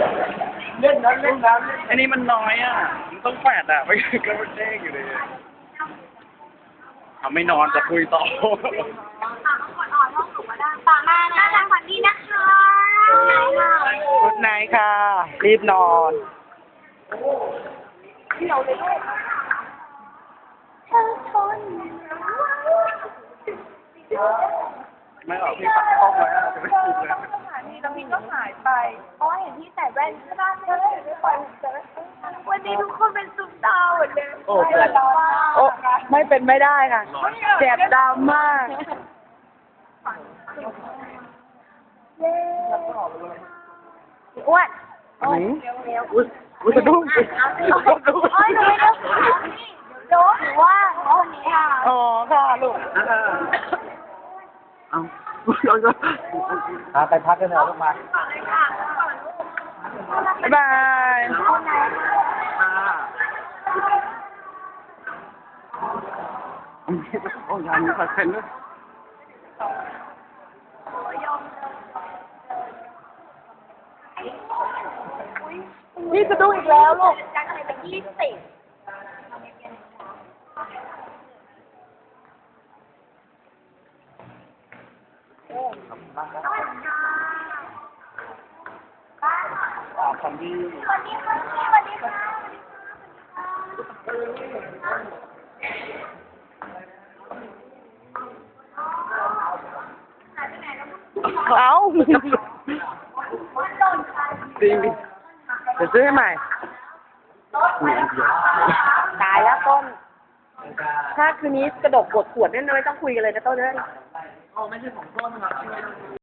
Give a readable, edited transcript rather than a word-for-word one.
เล่นน้ำเล่นน้ำอันนี้มันน้อยอ่ะมันต้องแปดอ่ะไม่ก็มันเด้งอยู่เลยทำไม่นอนจะคุยต่อต่อมานะรางวัลนี้นะคะกุดไนท์ค่ะ รีบนอนเธอทนไม่ออกพี่ปัดเข้ามาจะไม่ถูกเลยแล้วพี่ก็หายไปเพราะเห็นพี่ใส่แว่นใช่ป่ะก็เลยไม่ปล่อยวันนี้ทุกคนเป็นซุปตาหมดเลยโอ้โหโอ้ไม่เป็นไม่ได้ค่ะเจ็บดำมากอ้วนอันนี้อุ้ยสะดุ้งสะดุ้งโอ้ยหนูไม่ได้โจ๊กหรือว่าวันนี้ค่ะอ๋อค่ะลูกเอาไปพักกันเถอะลูกมาบ๊ายบายโอ้ยยังมีคอนเทนต์ด้วยนี่สะดุ้งอีกแล้วลูกจังอะไรเป็น20 คำที่สวัสดีค่ะสวัสดีค่ะเอ้าจริงเดี๋ยวซื้อให้ใหม่ ตายแล้วต้น ถ้าคืนนี้กระดกกดขวดเนี่ยไม่ต้องคุยกันเลยนะต้นเลย